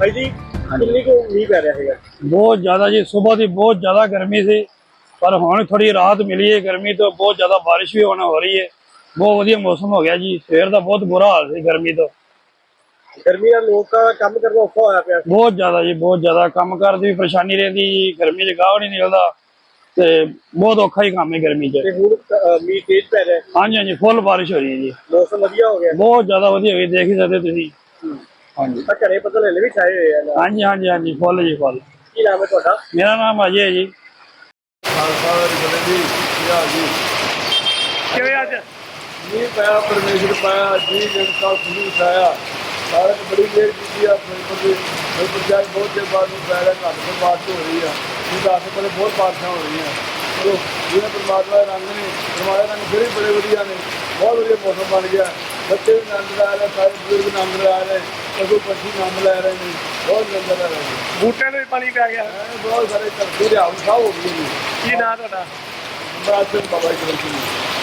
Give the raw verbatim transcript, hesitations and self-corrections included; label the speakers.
Speaker 1: भाई जी कितनी को मीह पै रहा है?
Speaker 2: बहुत ज्यादा जी, सुबह की बहुत ज्यादा गर्मी सी पर हुण थोड़ी राहत मिली है गर्मी तो। बहुत ज्यादा बारिश भी होना हो रही है, बहुत वधिया मौसम हो गया जी। सवेर का बहुत बुरा हाल सी गर्मी तो।
Speaker 1: गर्मी ਨਾਲ ਲੋਕਾਂ ਦਾ ਕੰਮ ਕਰਨਾ ਔਖਾ ਹੋਇਆ ਪਿਆ।
Speaker 2: बहुत ज्यादा जी, बहुत ज्यादा काम करने की परेशानी रहती जी। गर्मी च गाह नहीं निकलता ते बहुत औखा ही काम है गर्मी च।
Speaker 1: ਤੇ ਹੁਣ ਮੀਂਹ ਤੇਜ਼ ਪੈ ਰਿਹਾ,
Speaker 2: हाँ जी हाँ जी, फुल बारिश हो रही है जी,
Speaker 1: ਮੌਸਮ ਵਧੀਆ ਹੋ ਗਿਆ।
Speaker 2: बहुत ज्यादा वधिया हुई, देख ही सकते तुसीं। हाँ जी
Speaker 1: ਤਾਂ ਘਰੇ ਬੱਦਲ ਹਲੇ ਵੀ ਛਾਏ ਹੋਏ ਆ।
Speaker 2: हाँ जी हाँ जी हाँ जी, फुल जी फुल।
Speaker 1: ਕੀ ਨਾਮ ਹੈ ਤੁਹਾਡਾ?
Speaker 2: मेरा नाम अजय है जी।
Speaker 1: ਕਿਵੇਂ ਅੱਜ
Speaker 3: ਮੀਂਹ ਪਾਇਆ, ਪਰਮੇਸ਼ਰ ਪਾਇਆ ਜੀ, ਜਨਤਾ ਖੁਸ਼ੀ ਛਾਇਆ। ਸਾਰਿਆਂ ਨੇ ਬੜੀ ਦੇਰ ਕੀਤੀ ਆ ਫਿਲਮ ਦੇ ਪੰਚਾਇਤ ਬਹੁਤ ਦੇਰ ਬਾਅਦ ਨੂੰ ਪੈ ਰਿਹਾ, ਘੱਟ ਤੋਂ ਬਾਰਿਸ਼ ਹੋ ਰਹੀ ਆ। ਇਹ ਦਸ ਕੋਲੇ ਬਹੁਤ ਬਾਰਿਸ਼ਾਂ ਹੋ ਰਹੀਆਂ। ਚਲੋ ਜਿਵੇਂ ਪਰਮਾਤਮਾ ਦੇ ਰੰਗ ਨੇ, ਪਰਮਾਤਮਾ ਦੇ ਰੰਗ ਫਿਰ ਵੀ ਬੜੇ ਵਧੀਆ ਨੇ। ਬਹੁਤ ਵਧੀਆ ਮੌਸਮ ਬਣ ਗਿਆ, ਬੱਚੇ ਵੀ ਆਨੰਦ ਲੈ ਰਹੇ, ਸਾਰੇ ਬਜ਼ੁਰਗ ਆਨੰਦ ਲੈ ਰਹੇ, ਪਸ਼ੂ ਪੰਛੀ ਆਨੰਦ ਲੈ ਰਹੇ ਨੇ, ਬਹੁਤ ਆਨੰਦ ਲੈ ਰਹੇ ਨੇ।
Speaker 1: ਬੂਟਿਆਂ ਨੂੰ ਵੀ ਪਾਣੀ ਪੈ ਗਿਆ।
Speaker 3: ਐਂ ਬਹੁਤ ਸਾਰੇ ਧਰਤੀ ਦੇ ਹਾਲ ਸਾਹ ਹੋ ਗਏ ਨੇ।
Speaker 1: ਕੀ ਨਾਮ ਤੁਹਾਡਾ?
Speaker 3: ਬਾਤ ਬਾਬਾ ਜੀ